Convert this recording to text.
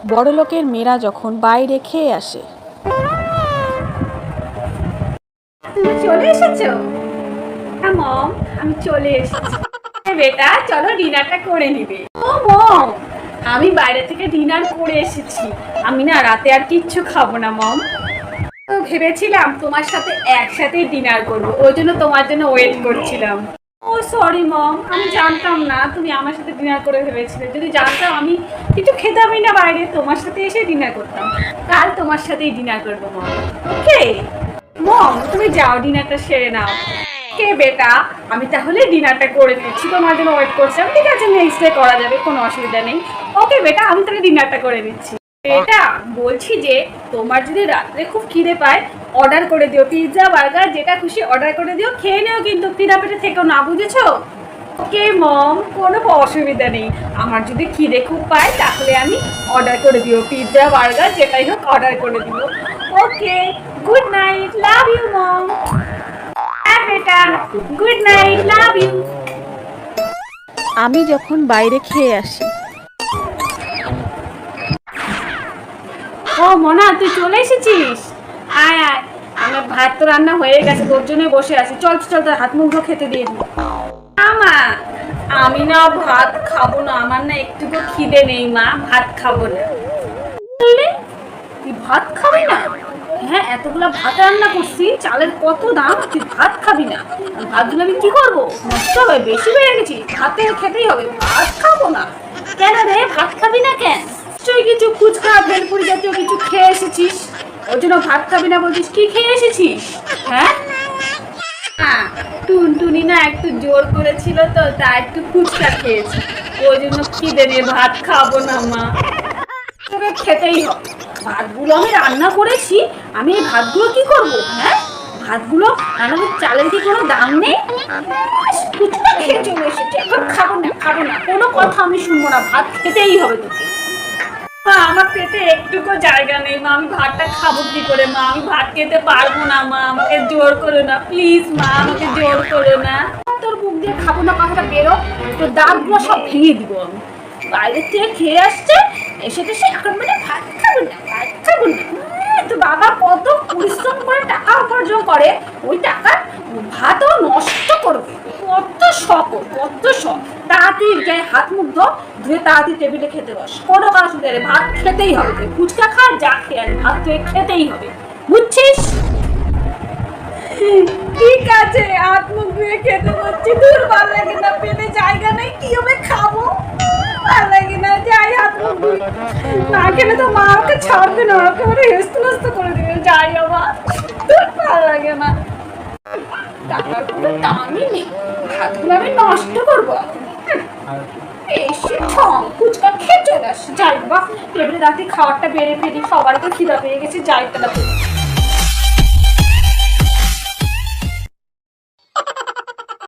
বড়লোকের মেয়েরা যখন বাইরে খেয়ে আসে। তুমি চলে এসেছো? হ্যাঁ মম, আমি চলে এসেছি। বেটা চলো ডিনারটা করে নিবে। ও মম, আমি বাইরে থেকে ডিনার করে এসেছি। আমি না রাতে আর কিচ্ছু খাবো না মম। তো ভেবেছিলাম তোমার সাথে একসাথে ডিনার করব, ওই জন্য তোমার জন্য ওয়েট করছিলাম। ও সরি মম, আমি জানতাম না তুমি আমার সাথে ডিনার করে ভেবেছিলে। যদি জানতাম আমি কিছু খেতামই না বাইরে, তোমার সাথে এসে ডিনার করতাম। কাল তোমার সাথেই ডিনার করবো মম। ওকে মম, তুমি যাও ডিনারটা সেরে নাও। কে বেটা, আমি তাহলে ডিনারটা করে নিচ্ছি, তোমার জন্য ওয়েট করছিলাম। ঠিক আছে, নেক্সট ডে করা যাবে, কোনো অসুবিধা নেই। ওকে বেটা, আমি তাহলে ডিনারটা করে নিচ্ছি। বেটা বলছি যে তোমার যদি রাত্রে খুব খিদে পায়, অর্ডার করে দিও, পিৎজা বার্গার যেটা খুশি অর্ডার করে দিও, খেয়ে নিও, কিন্তু খিদা পেটে থেকেও না, বুঝেছো? ওকে মম, কোনো অসুবিধা নেই। আমার যদি খিদে খুব পায় তাহলে আমি অর্ডার করে দিও, পিৎজা বার্গার যেটাই হোক অর্ডার করে দিও। Okay, good night, love you mom. হ্যাঁ বেটা, গুড নাইট, লাভ ইউ। আমি যখন বাইরে খেয়ে আসি। ও মনা, তুই চলে এসেছিস? আয় আয়, আমার ভাত তো রান্না হয়ে গেছে, তোর জন্য বসে আছি। চল চল, তোর হাত মুখ খেতে দিয়ে দিই। মা, আমি না ভাত খাবো না, আমার না একটুকু খিদে নেই মা, ভাত খাবো না। বললি তুই ভাত খাবি না? হ্যাঁ, এতগুলা ভাত রান্না করছি, চালের কত দাম, তুই ভাত খাবি না? ভাতগুলো আমি কি করবো, নষ্ট হবে, বেশি বেড়ে গেছি, ভাতে খেতেই হবে, ভাত খাবো না। কেন রে, ভাত খাবি না কেন? নিশ্চয়ই কিছু ফুচকা ভেলপুরি জাতীয় কিছু খেয়ে এসেছিস, ওই জন্য ভাত খাবি না বলছিস। কি খেয়ে এসেছিস? হ্যাঁ, টুনটুনি না একটু জোর করেছিল তো, তা একটু ফুচকা খেয়েছি, ওই জন্য খিদে নিয়ে ভাত খাবো না মা। তোকে খেতেই হবে, ভাতগুলো আমি রান্না করেছি, আমি এই ভাতগুলো কি করবো? হ্যাঁ, ভাতগুলো রান্না, চালের কি কোনো দাম নেই? ফুচকা খেয়ে চলে এসেছি, এখন খাবো না, খাবো না, কোনো কথা আমি শুনবো না, ভাত খেতেই হবে তোকে। মা, আমার পেটে একটুকু জায়গা নেই মা, আমি ভাতটা খাবো কি করে মা? আমি ভাত খেতে পারবো না মা, আমাকে জোর করো না প্লিজ মা, আমাকে জোর করো না। তোর মুখ দিয়ে খাবো না কথাটা বেরো, তোর দাঁতগুলো সব ভেঙে দিব আমি। বাইরের থেকে খেয়ে আসছে, এসে টেসে এখন মানে ভাত খাবো না, ভাত খাবো না। তো বাবা কত পরিশ্রম করে টাকা উপার্জন করে, ওই টাকা ভাতও নষ্ট করবে, কত শখ, কত শখ। তাড়াতাড়ি গায়ে হাত মুখ ধুয়ে তাড়াতাড়ি টেবিলে খেতে বস, কোনো কাজ শুধু ভাত খেতেই হবে, ফুচকা খা যা খেয়ে ভাত তুই খেতেই হবে, বুঝছিস? ঠিক আছে, হাত মুখ ধুয়ে খেতে বসছি। দূর, ভালো লাগে না, পেটে জায়গা নেই, কি হবে খাবো, ভালো লাগে না, যাই হাত মুখ ধুই। না খেলে তো মা আমাকে ছাড়বে না, একেবারে হেস্ত নস্ত করে দেবে, যাই আবার। দূর, ভালো লাগে না, টাকার কোনো দামই নেই, ভাতগুলো আমি নষ্ট করবো। এসে ঠং ফুচকা খেয়ে চলে আসছে, যাই বাবা টেবিলে রাতে খাবারটা বেড়ে ফেলি, সবার তো খিদা পেয়ে গেছে, যাই তাহলে।